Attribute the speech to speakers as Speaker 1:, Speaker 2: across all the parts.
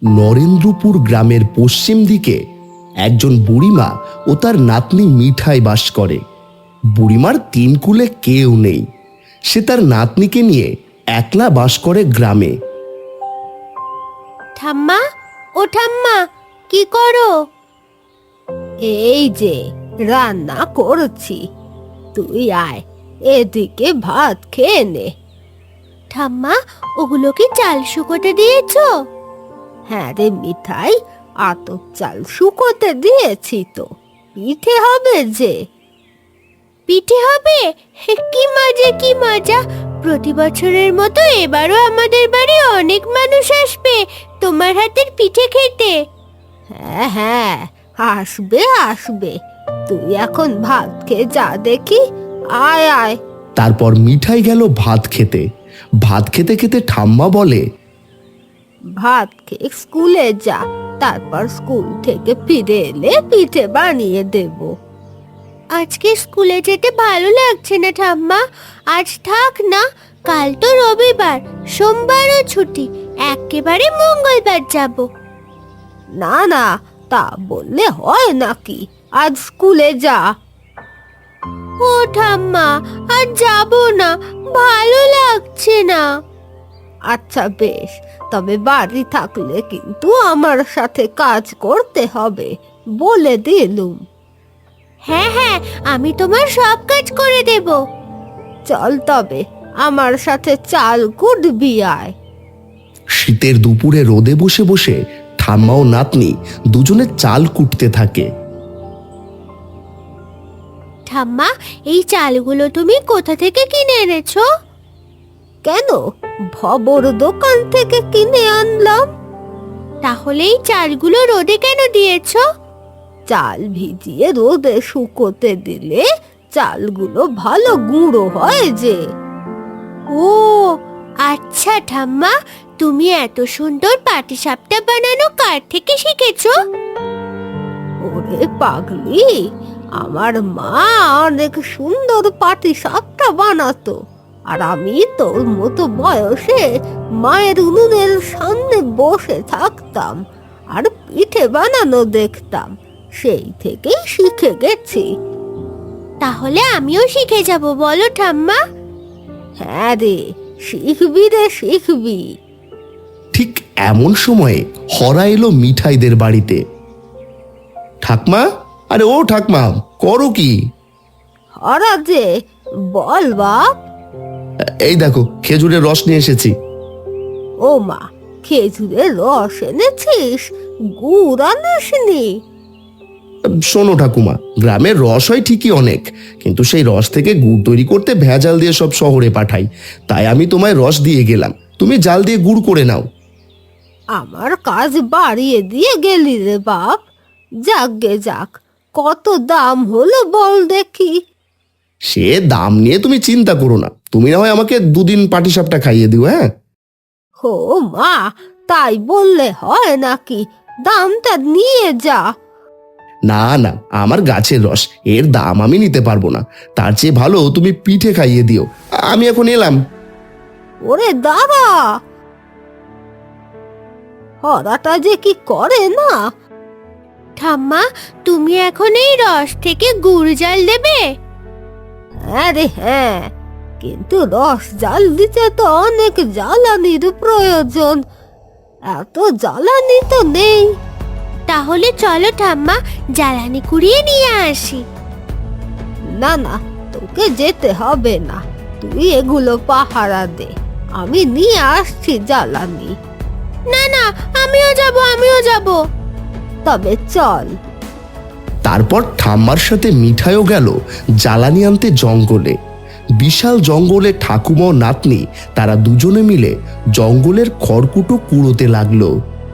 Speaker 1: নরেন্দ্রপুর গ্রামের পশ্চিম দিকে একজন বুড়িমা ও তার নাতনি মিঠাই বাস করে। বুড়িমার তিন কুলে কেউ নেই, সে তার নাতনিকে নিয়ে একলা বাস করে গ্রামে।
Speaker 2: ঠাম্মা, ও ঠাম্মা, কি করো? এই যে রান্না করছি, তুই আয় এদিকে ভাত খেয়ে নে। ঠাম্মা, ওগুলো কি চাল শুকোতে দিয়েছো? হ্যাঁ রে মিঠাই, আতপ চাল শুকোতে দিয়েছি তো। পিঠে হবে যে। পিঠে হবে? কি মজা, কি মজা! প্রতি বছরের মতো এবারও আমাদের বাড়ি অনেক মানুষ আসবে তোমার হাতের পিঠে খেতে। হ্যাঁ হ্যাঁ, আসবে আসবে। তুই এখন ভাত খেয়ে যা দেখি। আয় আয়।
Speaker 1: তারপর মিঠাই গেল ভাত খেতে। ভাত খেতে খেতে ঠাম্মা বলে,
Speaker 2: ভাত খেয়ে স্কুলে যা, তারপর স্কুল থেকে ফিরে এলে পিঠে বানিয়ে দেব। আজকে স্কুলে যেতে ভালো লাগছে না ঠাম্মা, আজ থাক না। কাল তো রবিবার, সোমবারও ছুটি, একেবারে মঙ্গলবার যাব। না না, তা বললে হয় নাকি? আজ স্কুলে যা। ও ঠাম্মা, আজ যাব না, ভালো লাগছে না। আচ্ছা বেশ, তবে বাড়ি থাকলে কিন্তু আমার সাথে কাজ করতে হবে, বলে দিলুম। হ্যাঁ হ্যাঁ, আমি তোমার সব কাজ করে দেব। চল তবে আমার সাথে চাল কুটবি আয়।
Speaker 1: শীতের দুপুরে রোদে বসে বসে ঠাম্মা ও নাতনি দুজনে চাল কুটতে থাকে।
Speaker 2: ঠাম্মা, এই চালগুলো তুমি কোথা থেকে কিনে এনেছো? কেন, ভবর দোকান থেকে কিনে আনলাম। তাহলে এই চালগুলো রোদে কেন দিয়েছো? চাল ভিজিয়ে রোদে শুকোতে দিলে চালগুলো ভালো গুঁড়ো হয় যে। ও আচ্ছা ঠাম্মা, তুমি এত সুন্দর পাটিসাপটা বানানো কার থেকে শিখেছো? ওরে পাগলি, আমার মা অনেক সুন্দর পাটিসাপটা বানাতো, আর আমি তোর মতো বয়সে মায়ের উনুনের সামনে বসে থাকতাম আর পিঠে বানানো দেখতাম, সেই থেকেই শিখে গেছি। তাহলে আমিও শিখে যাব, বলো ঠাম্মা? হ্যাঁ রে, শিখবি রে শিখবি।
Speaker 1: ঠিক এমন সময়ে হরা এলো মিঠাইদের বাড়িতে। ঠাকমা, আরে ও ঠাকমা, করো কি?
Speaker 2: হরা যে, বল বাপ।
Speaker 1: এই দেখো, খেজুরের রস নিয়ে এসেছি।
Speaker 2: ও মা, খেজুরের রস এনেছিস, গুড় আনিসনি?
Speaker 1: শোনো ঠাকুমা, গ্রামের রস হয় ঠিকই অনেক, কিন্তু সেই রস থেকে গুড় তৈরি করতে ভেজাল দিয়ে সব শহরে পাঠাই, তাই আমি তোমায় রস দিয়ে গেলাম, তুমি জাল দিয়ে গুড় করে নাও।
Speaker 2: আমার কাজ বাড়িয়ে দিয়ে গেলি রে বাপ। যাক গে যাক, কত দাম হলো বল দেখি?
Speaker 1: সে দাম নিয়ে তুমি চিন্তা করো না, তুমি না হয় আমাকে দুদিন পাটিসাপটা খাইয়ে দিও। হ্যাঁ,
Speaker 2: ও মা, তাই বললে হয় নাকি? দামটা নিয়ে যা।
Speaker 1: না না, আমার গাছের রস, এর দাম আমি নিতে পারবো না, তার চেয়ে ভালো তুমি পিঠে খাইয়ে দিও। আমি এখন এলাম।
Speaker 2: ওরে দাদা, হরাটা যে কি করে না! ঠাম্মা, তুমি এখন এই রস থেকে গুড় জাল দেবে? হ্যাঁ রে হ্যাঁ, কিন্তু রস জাল দিতে তো অনেক জ্বালানির প্রয়োজন, এত জ্বালানি তো নেই। তাহলে চলো ঠাম্মা, জ্বালানি কুড়িয়ে নিয়ে আসি। না না, তোকে যেতে হবে না, তুই এগুলো পাহারা দে, আমি নিয়ে আসছি জ্বালানি। না না, আমিও যাব, আমিও যাব। তবে চল।
Speaker 1: তারপর ঠাম্মার সাথে মিঠাইও গেল জ্বালানি আনতে জঙ্গলে। বিশাল জঙ্গলে ঠাকুমা ও নাতনি তারা দুজনে মিলে জঙ্গলের খড়কুটো কুড়োতে লাগলো।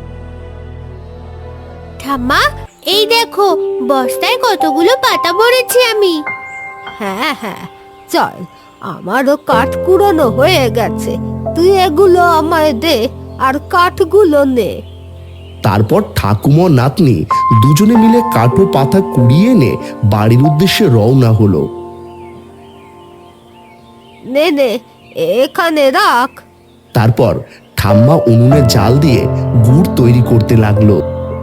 Speaker 2: ঠাম্মা, এই দেখো, বস্তায় কতগুলো পাতা ভরেছি আমি। হ্যাঁ হ্যাঁ, চল, আমারও কাঠ কুড়ানো হয়ে গেছে, তুই এগুলো আমায় দে আর কাঠগুলো নে।
Speaker 1: তারপর ঠাকুমা ও নাতনি দুজনে মিলে কাঠো পাতা কুড়িয়ে এনে বাড়ির উদ্দেশ্যে রওনা হলো।
Speaker 2: নে নে, এখানে রাখ।
Speaker 1: তারপর ঠাম্মা উনুনে জাল দিয়ে গুড় তৈরি করতে লাগলো।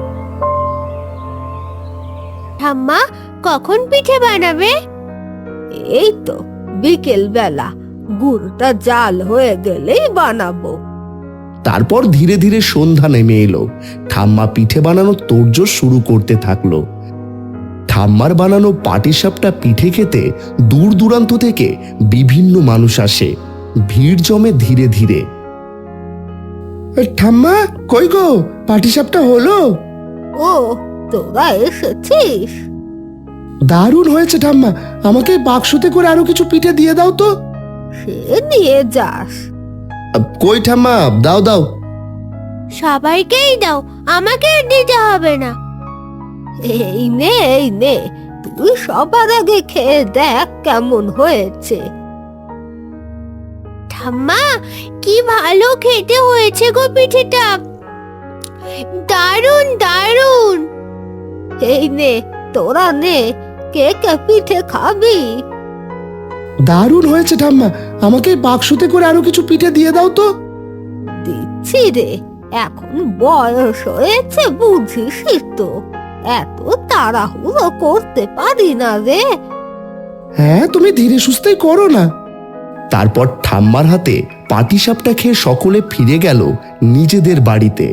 Speaker 2: ঠাম্মা, কখন পিঠে বানাবে? এই তো বিকেল বেলা, গুড়টা জাল হয়ে গেলেই বানাবো।
Speaker 1: তারপর ধীরে ধীরে সন্ধ্যা নেমে এলো। ঠাম্মা পিঠে বানানোর তোড়জোড় শুরু করতে থাকলো। ঠাম্মার বানানো পাটিসাপটা পিঠে খেতে দূর দূরান্ত থেকে বিভিন্ন মানুষ আসে। ভিড় জমে ধীরে ধীরে। ঠাম্মা, কই গো, পাটিসাপটা হলো?
Speaker 2: ও, তোরা এসেছিস?
Speaker 1: দারুণ হয়েছে ঠাম্মা, আমাকে বাক্সতে করে আরো কিছু পিঠে দিয়ে দাও তো।
Speaker 2: সে নিয়ে যাস।
Speaker 1: কই ঠাম্মা, দাও দাও।
Speaker 2: সবাইকেই দাও, আমাকে আর দিতে হবে না। এই নে, এই নে, তুই সবার আগে খেয়ে দেখ কেমন হয়েছে। ঠাম্মা, কি ভালো খেতে হয়েছে গো পিঠেটা, দারুণ দারুণ। এই নে, তোরা নে, কে কে পিঠে খাবি?
Speaker 1: দারুণ হয়েছে ঠাম্মা, আমাকে বাক্সতে করে আরো কিছু পিঠে দিয়ে দাও তো।
Speaker 2: দিচ্ছি রে, এখন বয়স হয়েছে বুঝিস তো, এত তাড়াহুড়ো করতে পারি না রে।
Speaker 1: হ্যাঁ, তুমি ধীরে সুস্থে করো না। তারপর ঠাম্মার হাতে পাটিসাপটা খেয়ে সকলে ফিরে গেল নিজেদের বাড়িতে।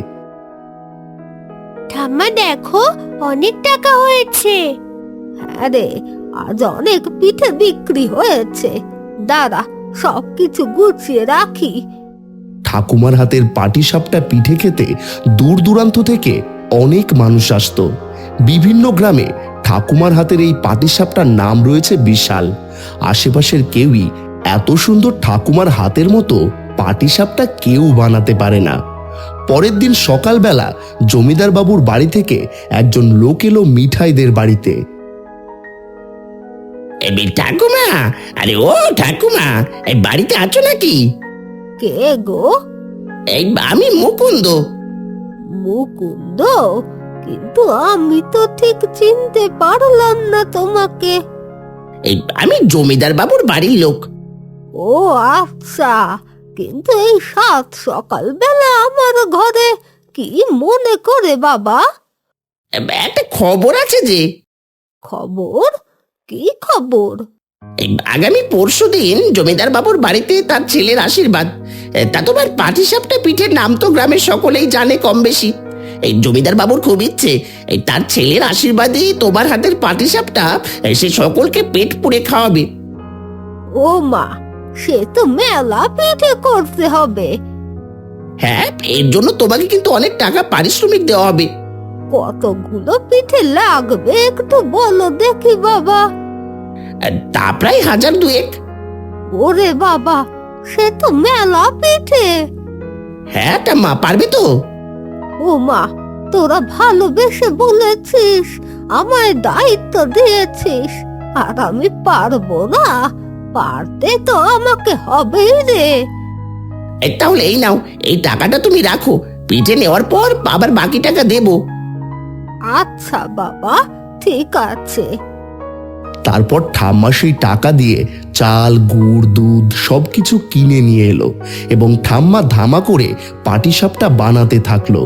Speaker 2: ঠাম্মা দেখো, অনেক টাকা হয়েছে। হ্যাঁ রে, আজ অনেক পিঠে বিক্রি হয়েছে। দাঁড়া, সবকিছু গুছিয়ে রাখি।
Speaker 1: ঠাকুমার হাতের পাটিসাপটা পিঠে খেতে দূর দূরান্ত থেকে অনেক মানুষ আসতো। বিভিন্ন গ্রামে ঠাকুমার হাতের এই পাটিসাপটার নাম রয়েছে বিশাল। আশেপাশের কেউই এত সুন্দর ঠাকুমার হাতের মতো পাটিসাপটা কেউ বানাতে পারে না। পরের দিন সকালবেলা জমিদার বাবুর বাড়ি থেকে একজন লোক এলো মিঠাইদের বাড়িতে।
Speaker 3: ঠাকুমা, আরে ও ঠাকুমা, এই বাড়িতে আছো নাকি?
Speaker 2: কে গো?
Speaker 3: এই আমি মুকুন্দ।
Speaker 2: মুকুন্দ? কিন্তু আমি তো ঠিক চিনতে পারলাম না তোমাকে।
Speaker 3: এই আমি জমিদার বাবুর বাড়ির লোক।
Speaker 2: ও আচ্ছা, কিন্তু এই সাত সকালবেলা আমার ঘরে কি মনে করে বাবা?
Speaker 3: একটা খবর আছে যে।
Speaker 2: খবর? কি খবর?
Speaker 3: এই আগামী পরশুদিন জমিদার বাবুর বাড়িতে তার ছেলের আশীর্বাদ। তা তোমার পাটিসাপটা পিঠের নাম তো গ্রামের সকলেই জানে কম বেশি। এই জমিদার বাবুর খুব ইচ্ছে এই তার ছেলের আশীর্বাদেই তোমার হাতের পাটিসাপটা সে সকলকে পেট পুড়ে খাওয়াবে।
Speaker 2: ও মা, সে তো মেলা পিঠে করতে হবে।
Speaker 3: হ্যাঁ, এর জন্য তোমাকে কিন্তু অনেক টাকা পারিশ্রমিক দেওয়া হবে।
Speaker 2: কতগুলো পিঠে লাগবে একটু বলো দেখি বাবা।
Speaker 3: তা প্রায় 1000-2
Speaker 2: ওরে বাবা, সে তো মেলা পিঠে।
Speaker 3: হ্যাঁ, তা মা পারবে তো?
Speaker 2: ও মা, তোরা ভালোবেসে বলেছিস, আমায় দায়িত্ব দিয়েছিস, আর আমি পারবো না? পারতে তো আমাকে হবেই রে।
Speaker 3: তাহলে এই নাও, এই টাকাটা তুমি রাখো, পিঠে নেওয়ার পর আবার বাকি টাকা দেবো।
Speaker 2: আচ্ছা বাবা, ঠিক আছে।
Speaker 1: তারপর ঠাম্মা সেই টাকা দিয়ে চাল, গুড়, দুধ সবকিছু কিনে নিয়ে এলো এবং ঠাম্মা ধামা করে পাটিসাপটা বানাতে থাকলো।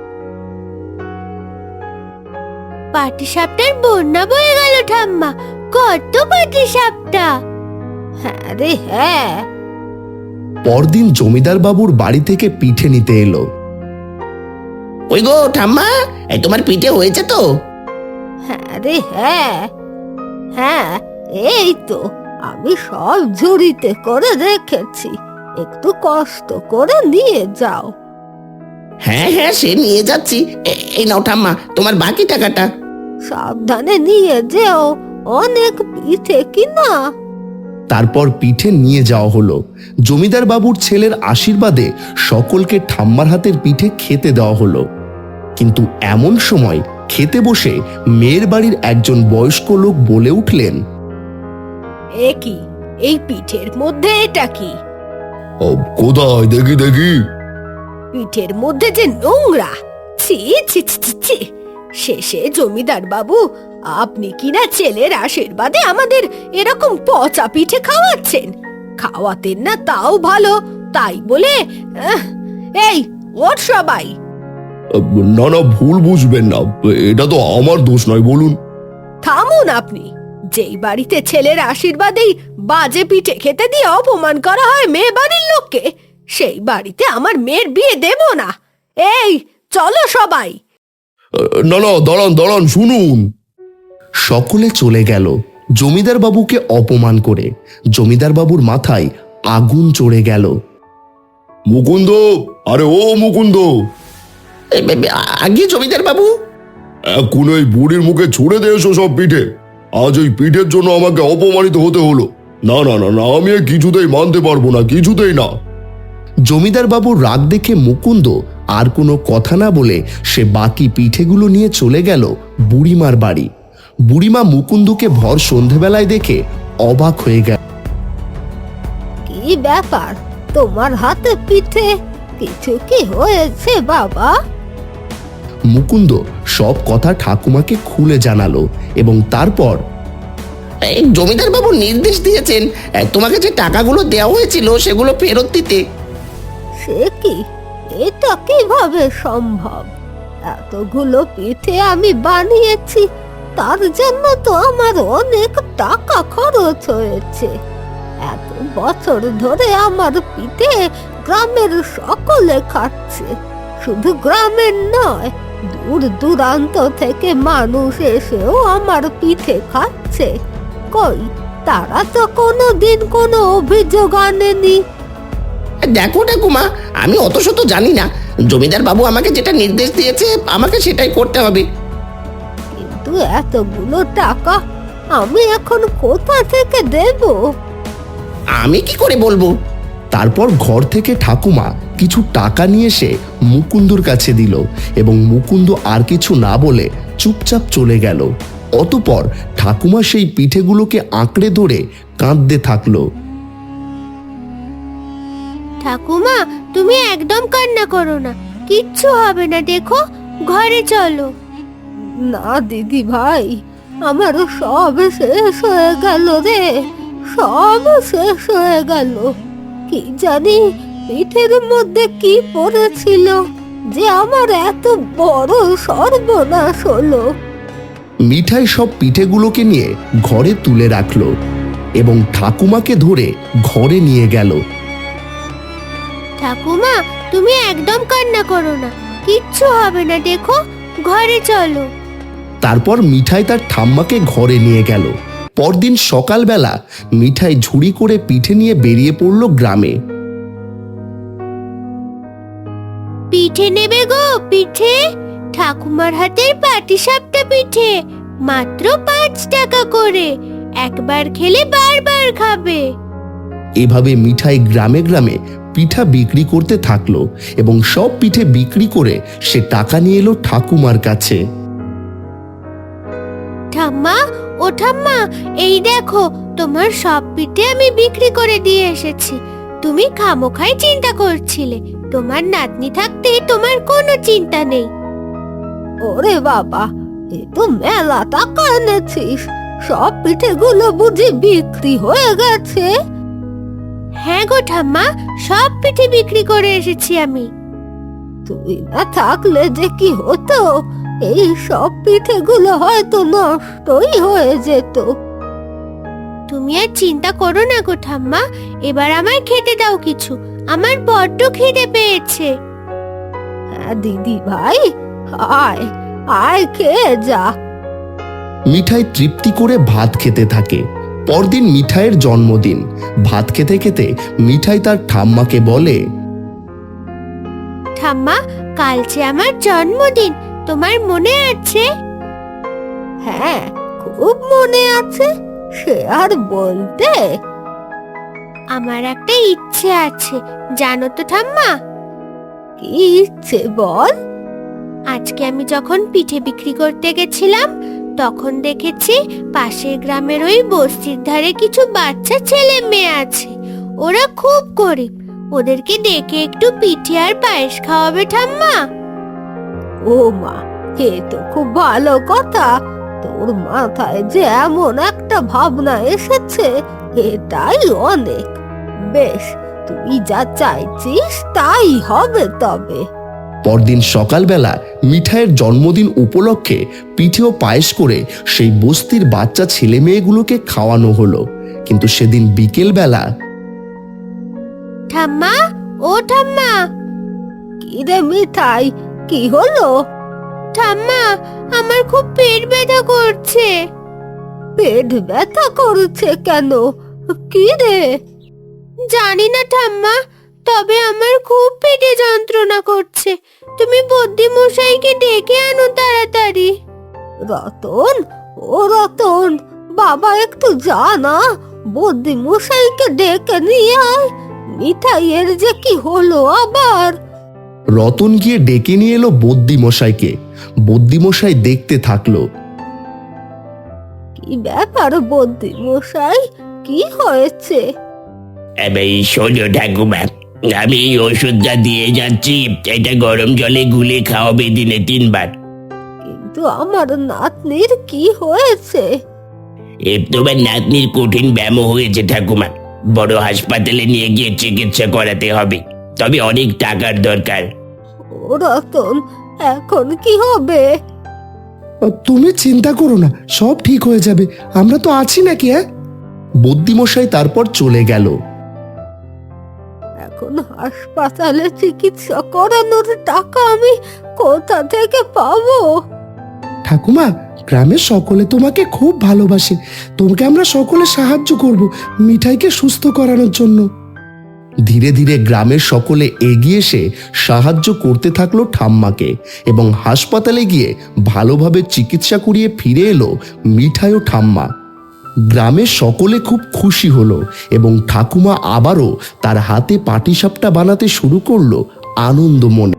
Speaker 2: পাটিসাপটার বন্যা বয়ে গেল ঠাম্মা, কত পাটিসাপটা! হ্যাঁ রে হ্যাঁ।
Speaker 1: পরদিন জমিদার বাবুর বাড়ি থেকে পিঠে নিতে এলো।
Speaker 3: ওই গো ঠাম্মা, তোমার পিঠে হয়েছে তো?
Speaker 2: হ্যাঁ রে হ্যাঁ। হ্যাঁ, এই তো আমি সব ঝুড়িতে করে রেখেছি, একটু কষ্ট করে নিয়ে যাও।
Speaker 3: হ্যাঁ হ্যাঁ, সে নিয়ে যাচ্ছি। এই নাও ঠাম্মা, তোমার বাকি টাকাটা।
Speaker 2: সাবধানে নিয়ে যেও, অনেক পিঠে কিনা।
Speaker 1: তারপর পিঠে নিয়ে যাওয়া হলো। জমিদার বাবুর ছেলের আশীর্বাদে সকলকে ঠাম্মার হাতের পিঠে খেতে দেওয়া হলো। কিন্তু এমন সময় খেতে বসে মেয়ের বাড়ির একজন বয়স্ক লোক বলে উঠলেন,
Speaker 2: এ কি, এই পিঠের মধ্যে এটা কি?
Speaker 1: কোথায় দেখি দেখি।
Speaker 2: পিঠের মধ্যে যে নোংরা! ছি ছি ছি ছি ছি! শেষে জমিদার বাবু, আপনি কিনা ছেলের আশীর্বাদে আমাদের এরকম পচা পিঠে খাওয়াচ্ছেন। খাওয়াতেন না তাও ভালো, তাই বলে এই ওঠ সবাই।
Speaker 1: না না, ভুল বুঝবেন না, এটা তো আমার দোষ নয়, বলুন।
Speaker 2: থামুন আপনি। যেই বাড়িতে ছেলের আশীর্বাদেই বাজে পিঠে খেতে দিয়ে অপমান করা হয় মেয়ে বাড়ির লোককে, সেই বাড়িতে আমার মেয়ের বিয়ে দেব না। এই চলো সবাই।
Speaker 1: না না, দাঁড়ান দাঁড়ান, শুনুন। সকলে চলে গেল জমিদার বাবুকে অপমান করে। জমিদার বাবুর মাথায় আগুন চড়ে গেল। মুকুন্দ, আরে ও মুকুন্দ!
Speaker 3: আগে জমিদার বাবু।
Speaker 1: এখন ওই বুড়ির মুখে ছুড়ে দিয়ে এসো সব পিঠে। আজ ওই পিঠের জন্য আমাকে অপমানিত হতে হলো। না না না না, আমি কিছুতেই মানতে পারবো না, কিছুতেই না। জমিদার বাবুর রাগ দেখে মুকুন্দ আর কোনো কথা না বলে সে বাকি পিঠেগুলো নিয়ে চলে গেল বুড়িমার বাড়ি। বুড়িমা মুকুন্দকে ভর সন্ধেবেলায় দেখে অবাক হয়ে গেল।
Speaker 2: কি ব্যাপার, তোমার হাতে পিঠে কিছু কি হয়েছে বাবা?
Speaker 1: মুকুন্দ সব কথা ঠাকুমাকে খুলে জানালো এবং তারপর
Speaker 3: এই জমিদার বাবু নির্দেশ দিয়েছেন তোমাকে যে টাকাগুলো দেওয়া হয়েছিল সেগুলো ফেরত দিতে।
Speaker 2: সে কি, এটা কিভাবে সম্ভব? এতগুলো পিঠে আমি বানিয়েছি, তার জন্য তো আমার অনেক টাকা খরচ হয়েছে। এত বছর ধরে আমার পিঠে গ্রামের সকলে খাচ্ছে। শুধু গ্রামের নয়, দূর দূরান্ত থেকে মানুষ এসেও আমার পিঠে খাচ্ছে। কই, তারা তো কোনোদিন কোনো অভিযোগ আনেনি।
Speaker 3: দেখো ঠাকুমা, আমি অত শত জানি না। জমিদার বাবু আমাকে যেটা নির্দেশ দিয়েছে আমাকে সেটাই করতে হবে।
Speaker 2: কিন্তু এতগুলো টাকা আমি এখন কোথা থেকে দেব?
Speaker 3: আমি কি করে বলবো?
Speaker 1: তারপর ঘর থেকে ঠাকুমা কিছু টাকা নিয়ে এসে মুকুন্দর কাছে দিল এবং মুকুন্দ আর কিছু না বলে চুপচাপ চলে গেল। অতঃপর ঠাকুমা সেই পিঠেগুলোকে আঁকড়ে ধরে কাঁদতে থাকলো।
Speaker 2: ঠাকুমা, তুমি একদম কান্না করো না, কিচ্ছু হবে না, দেখো, ঘরে চলো। না দিদি ভাই, আমার সব শেষ হয়ে গেল রে, সব শেষ হয়ে গেল। কি জানি পিঠের মধ্যে কি পড়েছিল যে আমার এত বড় সর্বনাশ হলো।
Speaker 1: মিঠাই সব পিঠেগুলোকে নিয়ে ঘরে তুলে রাখলো এবং ঠাকুমাকে ধরে ঘরে নিয়ে গেল।
Speaker 2: ঠাকুমা, তুমি একদম কান্না করো না, কিচ্ছু হবে না, দেখো, ঘরে চলো।
Speaker 1: তারপর মিঠাই তার ঠাম্মাকে ঘরে নিয়ে গেল। পরদিন সকালবেলা মিঠাই ঝুড়ি করে পিঠে নিয়ে বেরিয়ে পড়ল গ্রামে।
Speaker 2: পিঠে নেবে গো, পিঠে? ঠাকুমার হাতের পাটিসাপটা পিঠে, মাত্র 5 টাকা করে, একবার খেলে বারবার খাবে।
Speaker 1: এভাবে মিঠাই গ্রামে গ্রামে পিঠা বিক্রি করতে থাকলো এবং সব পিঠে বিক্রি করে সে টাকা নিয়ে এলো ঠাকুমার কাছে।
Speaker 2: ঠাম্মা, ও ঠাম্মা, এই দেখো, তোমার সব পিঠে আমি বিক্রি করে দিয়ে এসেছি। তুমি খামোখাই চিন্তা করছিলে, তোমার নাতনি থাকতে তোমার কোনো চিন্তা নেই। ওরে বাবা, এ তো মেলা টাকা এনেছিস, সব পিঠেগুলো বুঝি বিক্রি হয়ে গেছে? হ্যাঁ গো ঠাম্মা, সব পিঠে বিক্রি করে এসেছি আমি। তুই না থাকলে যে কি হতো, এই সব পিঠেগুলো হয়তো নষ্টই হয়ে যেত। তুমি আর চিন্তা করো না গো ঠাম্মা, এবার আমায় খেতে দাও কিছু, আমার বড্ড খিদে পেয়েছে। হ্যাঁ দিদি ভাই, আয় আয়, খেয়ে যা।
Speaker 1: মিঠাই তৃপ্তি করে ভাত খেতে থাকে। পরদিন মিঠাইয়ের জন্মদিন। ভাত খেতে খেতে মিঠাই তার ঠাম্মাকে বলে,
Speaker 2: ঠাম্মা, কাল যে আমার জন্মদিন, তোমার মনে আছে? হ্যাঁ, খুব মনে আছে, সে আর বলতে। আমার একটা ইচ্ছে আছে, জানো তো ঠাম্মা? কি ইচ্ছে বল? আজকে আমি যখন পিঠে বিক্রি করতে গেছিলাম, তখন দেখেছি পাশের গ্রামের ওই বস্তির ধারে কিছু বাচ্চা ছেলে মেয়ে আছে। ওরা খুব গরিব, ওদেরকে ডেকে একটু পিঠে আর পায়েস খাওয়াবে ঠাম্মা। ও মা, এ তো খুব ভালো কথা। তোর মাথায় যে এমন একটা ভাবনা এসেছে, এটাই অনেক। বেশ, তুই যা চাইছিস তাই হবে তবে।
Speaker 1: পরদিন সকালবেলা মিঠাইয়ের জন্মদিন উপলক্ষে পিঠে ও পায়েস করে সেই বস্তির বাচ্চা ছেলে মেয়েগুলোকে খাওয়ানো হলো। কিন্তু সেদিন বিকেলবেলা
Speaker 2: ঠাম্মা, ও ঠাম্মা। কি রে মিঠাই, কি হলো? ঠাম্মা, আমার খুব পেট ব্যথা করছে। পেট ব্যথা করছে কেন? কি রে? জানি না ঠাম্মা, তবে আমার খুব পেটে যন্ত্রণা করছে। তুমি বদ্যি মশাইকে ডেকে আনো তাড়াতাড়ি। রতন, ও রতন, বাবা একটু যা না, বদ্যি মশাইকে ডেকে নিয়ে আয়। মিঠাইয়ের যে কি হলো আবার।
Speaker 1: রতন গিয়ে ডেকে নিয়ে এলো বদ্যিমশাইকে। বদ্যিমশাই দেখতে থাকলো।
Speaker 2: কি ব্যাপার বদ্যি মশাই, কি হয়েছে?
Speaker 3: এই শোনো ঠাকুমা, আমি এই ওষুধটা দিয়ে যাচ্ছি, এটা গরম জলে গুলে খাওয়াবে দিনে 3 বার।
Speaker 2: কিন্তু আমার নাতনির কি হয়েছে?
Speaker 3: তোমার নাতনির কঠিন ব্যায়াম হয়েছে ঠাকুমা, বড় হাসপাতালে নিয়ে গিয়ে চিকিৎসা করাতে হবে, তবে অনেক টাকার দরকার।
Speaker 2: ও রতন, এখন কি হবে?
Speaker 1: তুমি চিন্তা করো না, সব ঠিক হয়ে যাবে, আমরা তো আছি নাকি। বদ্যিমশাই তারপর চলে গেল।
Speaker 2: এখন হাসপাতালে চিকিৎসা করানোর টাকা আমি কোথা থেকে পাবো?
Speaker 1: ঠাকুমা, গ্রামের সকলে তোমাকে খুব ভালোবাসে, তোমাকে আমরা সকলে সাহায্য করব মিঠাইকে সুস্থ করানোর জন্য। ধীরে ধীরে গ্রামের সকলে এগিয়ে এসে সাহায্য করতে থাকলো ঠাম্মাকে, এবং হাসপাতালে গিয়ে ভালোভাবে চিকিৎসা করিয়ে ফিরে এলো মিঠাই ও ঠাম্মা। গ্রামের সকলে খুব খুশি হলো এবং ঠাকুমা আবারও তার হাতে পাটিসাপটা বানাতে শুরু করলো আনন্দ মনে।